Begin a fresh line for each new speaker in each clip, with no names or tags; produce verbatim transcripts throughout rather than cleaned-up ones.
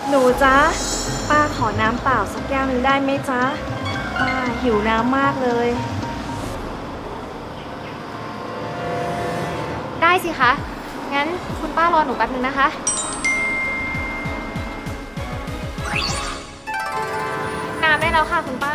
หนูจ๊ะป้าขอน้ำเปล่าสักแก้วหนึ่งได้ไหมจ๊ะป้าหิวน้ำมากเลย
ได้สิคะ งั้นคุณป้ารอหนูแป๊บนึงนะคะ น้ำได้แล้วค่ะคุณป้า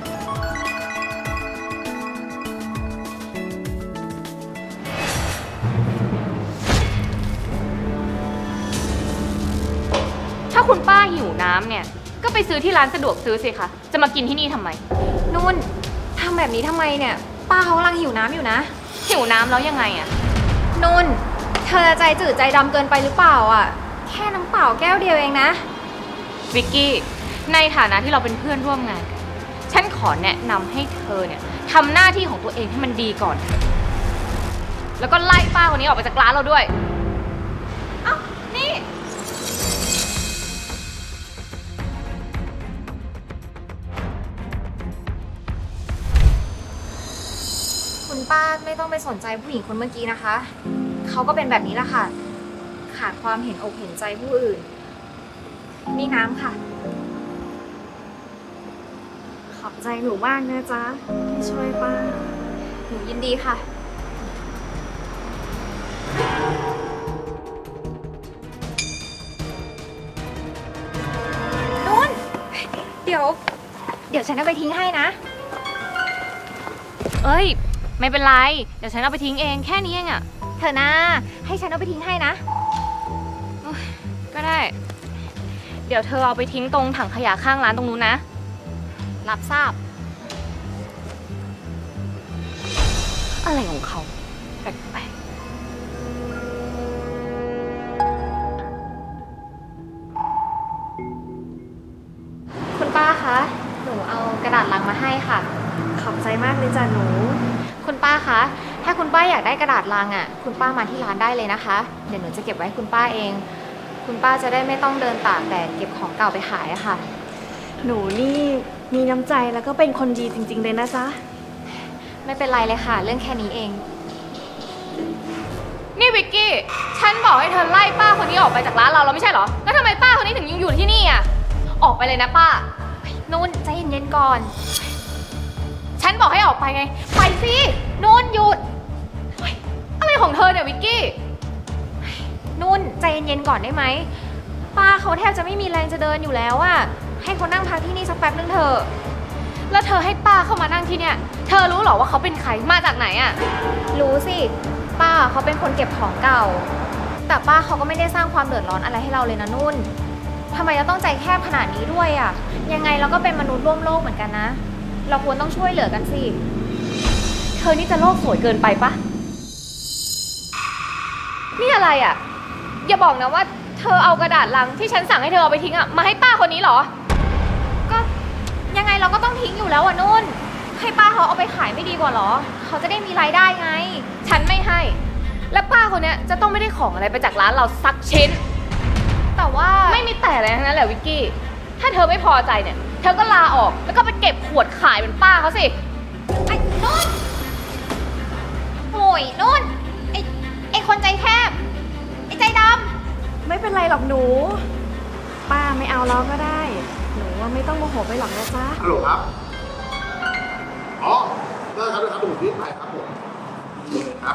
ถ้าคุณป้าหิวน้ำเนี่ย ก็ไปซื้อที่ร้านสะดวกซื้อสิคะ จะมากินที่นี่ทำไม นุ่นทำแบบนี้ทำไมเนี่ย ป้าเขากำลังหิวน้ำอยู่นะ หิวน้ำแล้วยังไงอะนุ่น เธอใจจืดใจดำเกินไปหรือเปล่าอ่ะ แค่น้ำเปล่าแก้วเดียวเองนะ วิกกี้ ในฐานะที่เราเป็นเพื่อนร่วมงานกันฉันขอแนะนำให้เธอเนี่ยทำหน้าที่ของตัวเองให้มันดีก่อน แล้วก็ไล่ป้าคนนี้ออกไปจากร้านเราด้วย เอ้า นี่ คุณป้าไม่ต้องไปสนใจผู้หญิงคนเมื่อกี้นะคะ เขาก็เป็นแบบนี้แหละค่ะ ขาดความเห็นอกเห็นใจผู้อื่น นี่น้ำค่ะ
ขอบใจหนูมากนะจ๊ะที่ช่วยป้า
หนูยินดีค่ะ นุ่น เดี๋ยว เดี๋ยวฉันเอาไปทิ้งให้นะ เอ้ย ไม่เป็นไร เดี๋ยวฉันเอาไปทิ้งเองแค่นี้เองอะเธอนะให้ฉันเอาไปทิ้งให้นะโอ๊ยก็ได้ เดี๋ยวเธอเอาไปทิ้งตรงถังขยะข้างร้านตรงนู้นนะ รับทราบ อะไรของเขาแปลกๆคุณป้าคะ หนูเอากระดาษลังมาให้ค่ะ
ขอบใจมากเลยจ้ะหนู
คุณป้าคะ ถ้าคุณป้าอยากได้กระดาษลังอ่ะ คุณป้ามาที่ร้านได้เลยนะคะ เดี๋ยวหนูจะเก็บไว้ให้คุณป้าเอง คุณป้าจะได้ไม่ต้องเดินตากแดดเก็บของเก่าไปขายอะค่ะ
หนูนี่มีน้ำใจแล้วก็เป็นคนดีจริงๆเลยนะจ๊ะ
ไม่เป็นไรเลยค่ะ เรื่องแค่นี้เอง นี่วิกกี้ ฉันบอกให้เธอไล่ป้าคนนี้ออกไปจากร้านเราแล้วไม่ใช่เหรอ แล้วทำไมป้าคนนี้ถึงยังอยู่ที่นี่อ่ะ ออกไปเลยนะป้านุ่นใจเย็นๆก่อน ฉันบอกให้ออกไปไง ไปสินุ่นหยุดเฮ้ยอะไรของเธอเนี่ยวิกกี้เฮ้ยนุ่นใจเย็นๆก่อนได้ไหม ป้าเขาแทบจะไม่มีแรงจะเดินอยู่แล้วอะให้เขานั่งพักที่นี่สักแป๊บนึงเถอะ แล้วเธอให้ป้าเข้ามานั่งที่เนี่ย เธอรู้เหรอว่าเขาเป็นใคร มาจากไหนอะรู้สิ ป้าเขาเป็นคนเก็บของเก่า แต่ป้าเขาก็ไม่ได้สร้างความเดือดร้อนอะไรให้เราเลยนะนุ่นทำไมเราต้องใจแคบขนาดนี้ด้วยอะยังไงเราก็เป็นมนุษย์ร่วมโลกเหมือนกันนะ เราควรต้องช่วยเหลือกันสิ เธอนี่จะโลกสวยเกินไปปะนี่อะไรอะ อย่าบอกนะว่าเธอเอากระดาษลังที่ฉันสั่งให้เธอเอาไปทิ้งอะมาให้ป้าคนนี้เหรอ ก็ยังไงเราก็ต้องทิ้งอยู่แล้วอะนุ่น ให้ป้าเขาเอาไปขายไม่ดีกว่าเหรอ เขาจะได้มีรายได้ไง ฉันไม่ให้ และป้าคนเนี้ยจะต้องไม่ได้ของอะไรไปจากร้านเราสักชิ้น แต่ว่าไม่มีแต่อะไรทั้งนั้นแหละวิกกี้ ถ้าเธอไม่พอใจเนี่ย เธอก็ลาออกแล้วก็ไปเก็บขวดขายเป็นป้าเขาสิ ไอ้นุ่นโอ้ยนุ่น ไอ้ไอ้คนใจแคบ ไอ้ใจดำ
ไม่เป็นไรหรอกหนู ป้าไม่เอาแล้วก็ได้ หนูว่าไม่ต้องโมโหไปหรอกนะจ๊ะ
ฮัลโหลครับ อ๋อ ได้ครับได้ครับเดี๋ยวผมรีบไปครับผมครับ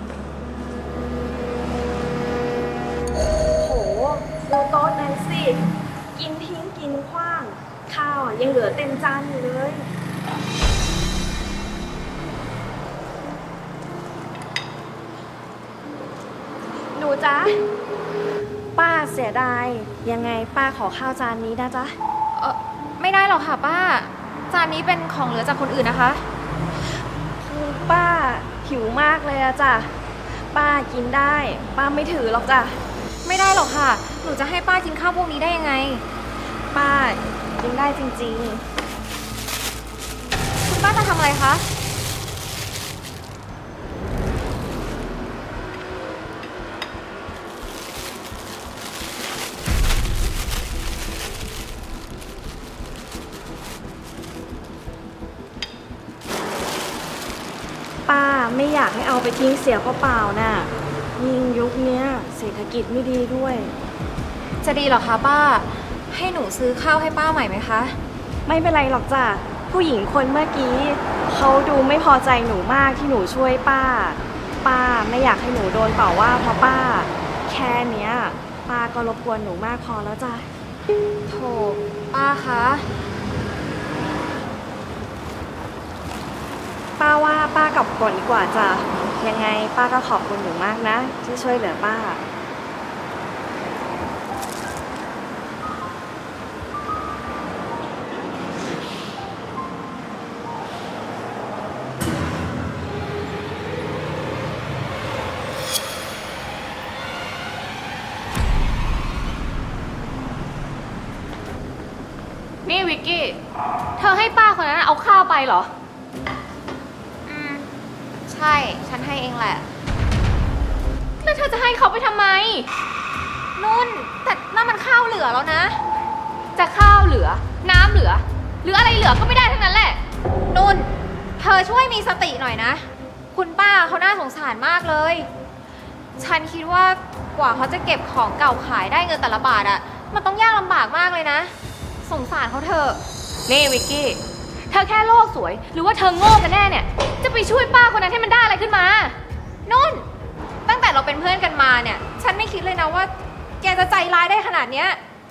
โอ้โหดูโต๊ะนั้นสิ กินทิ้งกินขว้าง ข้าวอะยังเหลือเต็มจานอยู่เลย หนูจ๊ะ ป้าเสียดาย ยังไงป้าขอข้าวจานนี้นะจ๊ะ
เออไม่ได้หรอกค่ะป้า จานนี้เป็นของเหลือจากคนอื่นนะคะ
คือป้าหิวมากเลยอะจ้ะ ป้ากินได้ ป้าไม่ถือหรอกจ้ะ
ไม่ได้หรอกค่ะ หนูจะให้ป้ากินข้าวพวกนี้ได้ยังไง
ป้ากินได้จริง
คุณป้าจะทำอะไรคะ
ๆ ป้าไม่อยากให้เอาไปทิ้งเสียเปล่าๆน่ะ ยิ่งยุคเนี้ยเศรษฐกิจไม่ดีด้วย
จะดีเหรอคะป้าให้หนูซื้อข้าวให้ป้าใหม่ไหมคะ
ไม่เป็นไรหรอกจ้ะผู้หญิงคนเมื่อกี้เขาดูไม่พอใจหนูมากที่หนูช่วยป้า ป้าไม่อยากให้หนูโดนต่อว่าเพราะป้า แค่เนี้ยป้าก็รบกวนหนูมากพอแล้วจ้ะ
โถป้าคะ
ป้าว่าป้ากลับก่อนดีกว่าจ้ะยังไงป้าก็ขอบคุณหนูมากนะ ที่ช่วยเหลือป้า
นี่วิกกี้ เธอให้ป้าคนนั้นเอาข้าวไปเหรอ
อืม ใช่ ฉันให้เองแหละ
แล้วเธอจะให้เขาไปทำไม
นุ่น แต่นั่นมันข้าวเหลือแล้วนะ
จะข้าวเหลือ น้ำเหลือ หรืออะไรเหลือก็ไม่ได้ทั้งนั้นแหละ
นุ่น เธอช่วยมีสติหน่อยนะ คุณป้าเขาน่าสงสารมากเลย ฉันคิดว่ากว่าเขาจะเก็บของเก่าขายได้เงินแต่ละบาทอะมันต้องยากลำบากมากเลยนะ สงสารเขาเถอะ
นี่วิกกี้ เธอแค่โลกสวย หรือว่าเธอโง่กันแน่เนี่ย จะไปช่วยป้าคนนั้นให้มันได้อะไรขึ้นมา
นุ่น ตั้งแต่เราเป็นเพื่อนกันมาเนี่ย ฉันไม่คิดเลยนะว่า แกจะใจร้ายได้ขนาดเนี้ย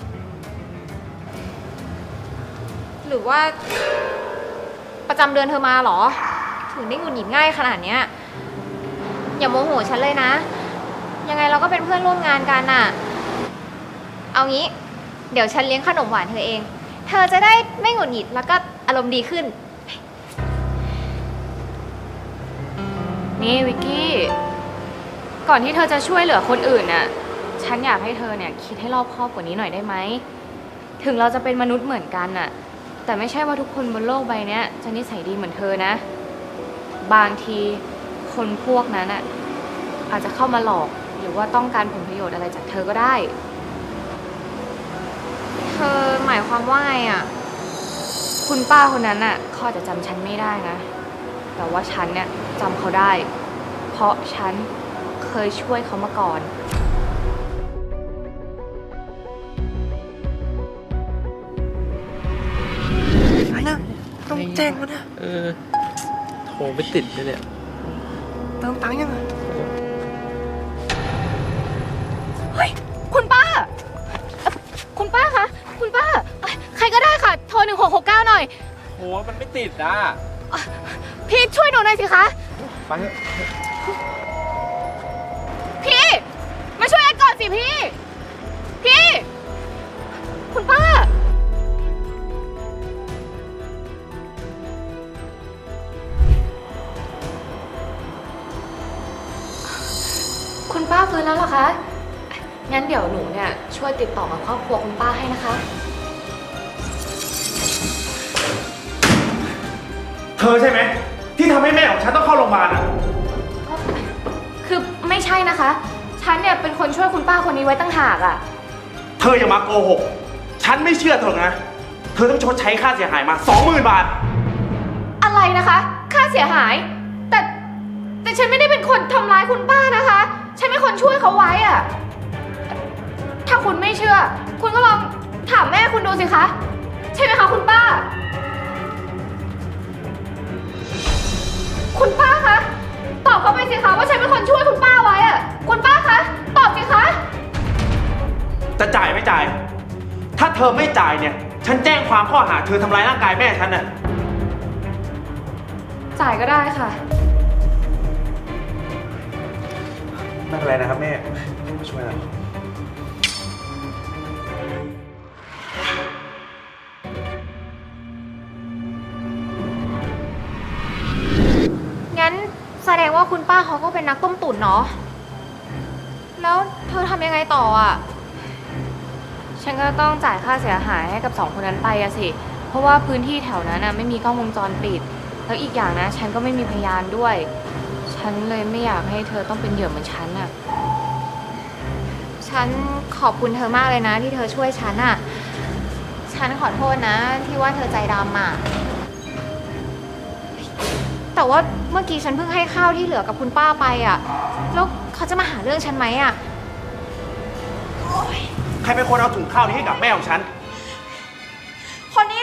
หรือว่า ประจำเดือนเธอมาเหรอ ถึงได้หงุดหงิดง่ายขนาดเนี้ย อย่าโมโหฉันเลยนะ ยังไงเราก็เป็นเพื่อนร่วมงานกันน่ะ เอางี้ เดี๋ยวฉันเลี้ยงขนมหวานเธอเอง เธอจะได้ไม่หงุดหงิดแล้วก็อารมณ์ดีขึ้น
นี่วิกกี้ ก่อนที่เธอจะช่วยเหลือคนอื่นน่ะ ฉันอยากให้เธอเนี่ยคิดให้รอบคอบกว่านี้หน่อยได้ไหม ถึงเราจะเป็นมนุษย์เหมือนกันน่ะ แต่ไม่ใช่ว่าทุกคนบนโลกใบเนี้ยจะนิสัยดีเหมือนเธอนะ บางทีคนพวกนั้นน่ะอาจจะเข้ามาหลอกหรือว่าต้องการผลประโยชน์อะไรจากเธอก็ได้
เธอหมายความว่าไงอ่ะ
คุณป้าคนนั้นน่ะเขาอาจจะจำฉันไม่ได้นะ แต่ว่าฉันเนี่ยจำเขาได้ เพราะฉันเคยช่วยเขามาก่อน
นะต้องแจ้งเขานะ
เออ โทรไม่ติดเลยเนี่ย
เติมตังค์ยังไง
เฮ้ย คุณป้าเอ่อคุณป้าคะ คุณป้าเอ้ยใครก็ได้ค่ะ โทรหนึ่งหกหกเก้าหน่อย
โห มันไม่ติดอ่ะ
พี่ช่วยหนูหน่อยสิคะ
ไปเถอะ
พี่ มาช่วยแอดก่อนสิพี่ พี่ คุณป้า คุณป้าฟื้นแล้วเหรอคะ งั้นเดี๋ยวหนูเนี่ยช่วยติดต่อกับครอบครัวคุณป้าให้นะคะ
เธอใช่ไหมที่ทำให้แม่ของฉันต้องเข้าโรงพยาบาลอ่ะ
คือไม่ใช่นะคะ ฉันเนี่ยเป็นคนช่วยคุณป้าคนนี้ไว้ตั้งหากอะ
เธออย่ามาโกหก ฉันไม่เชื่อเธอนะ เธอต้องชดใช้ค่าเสียหายมาสองหมื่นบาท
อะไรนะคะ ค่าเสียหาย แต่แต่ฉันไม่ได้เป็นคนทำร้ายคุณป้านะคะ ฉันเป็นคนช่วยเขาไว้อะถ้าคุณไม่เชื่อ คุณก็ลองถามแม่คุณดูสิคะ ใช่ไหมคะคุณป้า คุณป้าคะ ตอบเขาไปสิคะว่าฉันเป็นคนช่วยคุณป้าไว้อะคุณป้าคะ ตอบสิคะ
จะจ่ายไม่จ่าย ถ้าเธอไม่จ่ายเนี่ย ฉันแจ้งความข้อหาเธอทำร้ายร่างกายแม่ฉันน่ะ
จ่ายก็ได้ค่ะ
ไม่เป็นไรนะครับแม่มาช่วยเรา
งั้นแสดงว่าคุณป้าเขาก็เป็นนักต้มตุ๋นเนาะ แล้วเธอทำยังไงต่ออ่ะ
ฉันก็ต้องจ่ายค่าเสียหายให้กับสองคนนั้นไปอะสิ เพราะว่าพื้นที่แถวนั้นนะไม่มีกล้องวงจรปิด แล้วอีกอย่างนะ ฉันก็ไม่มีพยานด้วย ฉันเลยไม่อยากให้เธอต้องเป็นเหยื่อเหมือนฉันอะ
ฉันขอบคุณเธอมากเลยนะที่เธอช่วยฉันอ่ะ ฉันขอโทษนะที่ว่าเธอใจดำอ่ะ แต่ว่าเมื่อกี้ฉันเพิ่งให้ข้าวที่เหลือกับคุณป้าไปอ่ะ แล้วเขาจะมาหาเรื่องฉันไหมอ่ะ
ใครเป็นคนเอาถุงข้าวนี้ให้กับแม่ของฉัน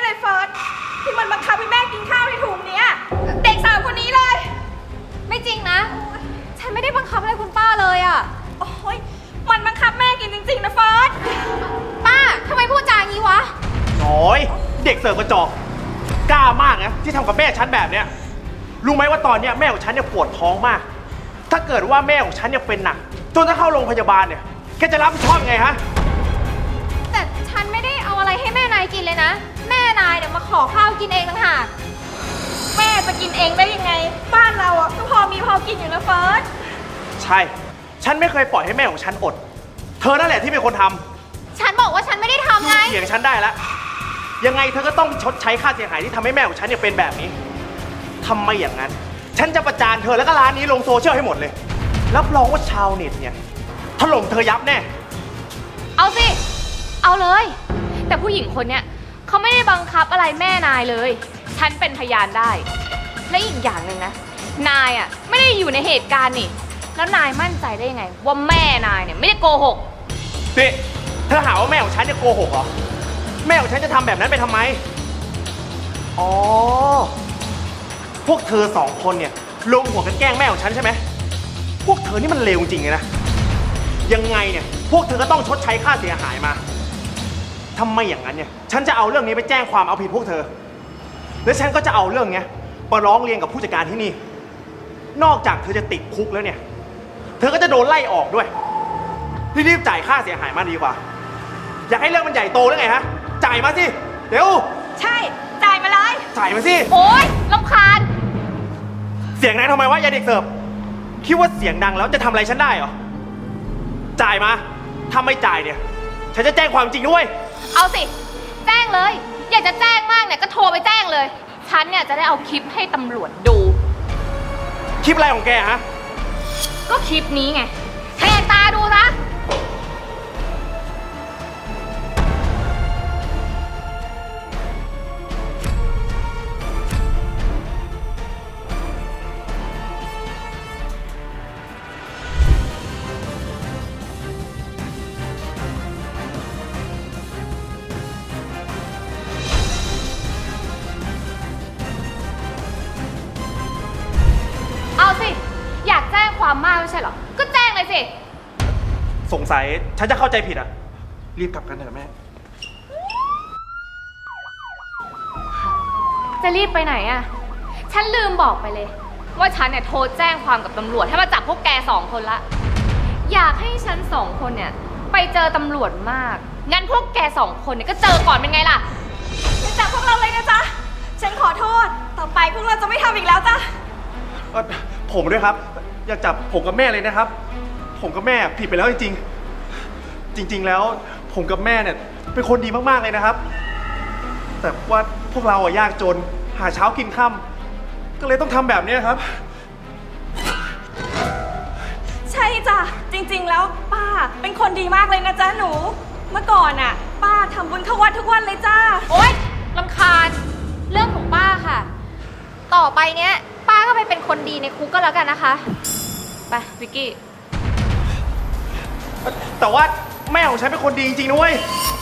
เลยเฟิร์สที่มันบังคับให้แม่กินข้าวในถุงเนี้ยเด็กสาวคนนี้เลย
ไม่จริงนะ ฉันไม่ได้บังคับอะไรคุณป้าเลยอะ
โอ้ยมันบังคับแม่กินจริงๆนะเฟิร์ส
ป้าทำไมพูดจาอย่างนี้วะ
น้อย เด็กเสิร์ฟกระจอกกล้ามากนะที่ทำกับแม่ฉันแบบเนี้ยรู้ไหมว่าตอนเนี้ยแม่ของฉันเนี่ยปวดท้องมาก ถ้าเกิดว่าแม่ของฉันเนี่ยเป็นหนักจนถ้าเข้าโรงพยาบาลเนี่ยแกจะรับผิดชอบยังไงฮะ
แต่ฉันไม่ได้เอาอะไรให้แม่นายกินเลยนะ แม่นายเนี่ยมาขอข้าวกินเองต่างหาก
แม่จะกินเองได้ยังไง บ้านเราอ่ะก็พอมีพอกินอยู่นะเฟิร์ส
ใช่ ฉันไม่เคยปล่อยให้แม่ของฉันอด เธอนั่นแหละที่เป็นคนทำ
ฉันบอกว่าฉันไม่ได้ทำไง
เถียงฉันได้แล้วยังไงเธอก็ต้องชดใช้ค่าเสียหายที่ทำให้แม่ของฉันเนี่ยเป็นแบบนี้ทำไมอย่างนั้น ฉันจะประจานเธอแล้วก็ร้านนี้ลงโซเชียลให้หมดเลยรับรองว่าชาวเน็ตเนี่ยถล่มเธอยับแน่
เอาสิ เอาเลย แต่ผู้หญิงคนเนี้ยเขาไม่ได้บังคับอะไรแม่นายเลย ฉันเป็นพยานได้ และอีกอย่างหนึ่งนะ นายอ่ะไม่ได้อยู่ในเหตุการณ์นี่ แล้วนายมั่นใจได้ยังไง ว่าแม่นายเนี่ยไม่ได้โกหก
นี่เธอหาว่าแม่ของฉันจะโกหกเหรอ แม่ของฉันจะทำแบบนั้นไปทำไม อ๋อ พวกเธอสองคนเนี่ยลงหัวกันแกล้งแม่ของฉันใช่ไหม พวกเธอนี่มันเลวจริงๆเลยนะ ยังไงเนี่ยพวกเธอก็ต้องชดใช้ค่าเสียหายมาทำไมอย่างนั้นเนี่ยฉันจะเอาเรื่องนี้ไปแจ้งความเอาผิดพวกเธอ แล้วฉันก็จะเอาเรื่องเนี้ยมาร้องเรียนกับผู้จัดการที่นี่ นอกจากเธอจะติดคุกแล้วเนี่ย เธอก็จะโดนไล่ออกด้วย รีบๆจ่ายค่าเสียหายมาดีกว่า อยากให้เรื่องมันใหญ่โตหรือไงฮะ จ่ายมาสิ เร็ว
ใช่ จ่ายมาเลย
จ่ายมาสิ
โอ๊ยรำคาญ
เสียงดังทำไมวะยายเด็กเสิร์ฟ คิดว่าเสียงดังแล้วจะทำอะไรฉันได้เหรอ จ่ายมา ถ้าไม่จ่ายเนี่ย ฉันจะแจ้งความจริงด้วย
เอาสิ แจ้งเลย อยากจะแจ้งมากเนี่ยก็โทรไปแจ้งเลย ฉันเนี่ยจะได้เอาคลิปให้ตำรวจดู
คลิปอะไรของแกฮะ
ก็คลิปนี้ไงแหกตาดูนะ เอาสิ อยากแจ้งความมากไม่ใช่เหรอ ก็แจ้งเลยสิ
สงสัยฉันจะเข้าใจผิดอ่ะ รีบกลับกันเถอะแม่
จะรีบไปไหนอะฉันลืมบอกไปเลย ว่าฉันเนี่ยโทรแจ้งความกับตำรวจให้มาจับพวกแกสองคนละ อยากให้ฉันสองคนเนี่ยไปเจอตำรวจมาก งั้นพวกแกสองคนเนี่ยก็เจอก่อนเป็นไงล่ะ
อย่าจับพวกเราเลยนะจ๊ะ ฉันขอโทษ ต่อไปพวกเราจะไม่ทำอีกแล้วจ้ะ
เอ่อผมด้วยครับ อย่าจับผมกับแม่เลยนะครับ ผมกับแม่ผิดไปแล้วจริงๆ จริง ๆ แล้วผมกับแม่เนี่ยเป็นคนดีมากๆเลยนะครับ แต่ว่าพวกเราอะยากจนหาเช้ากินค่ำก็เลยต้องทำแบบนี้ครับ
ใช่จ้ะ จริงๆ แล้วป้าเป็นคนดีมากเลยนะจ๊ะหนู เมื่อก่อนน่ะ ป้าทำบุญเข้าวัดทุกวันเลยจ้า
โอ๊ยรำคาญ เรื่องของป้าค่ะ ต่อไปเนี้ย ป้าก็ไปเป็นคนดีในคุกก็แล้วกันนะคะ
ไปวิกกี้
แต่ว่าแม่ของฉันเป็นคนดีจริงๆนะเว้ย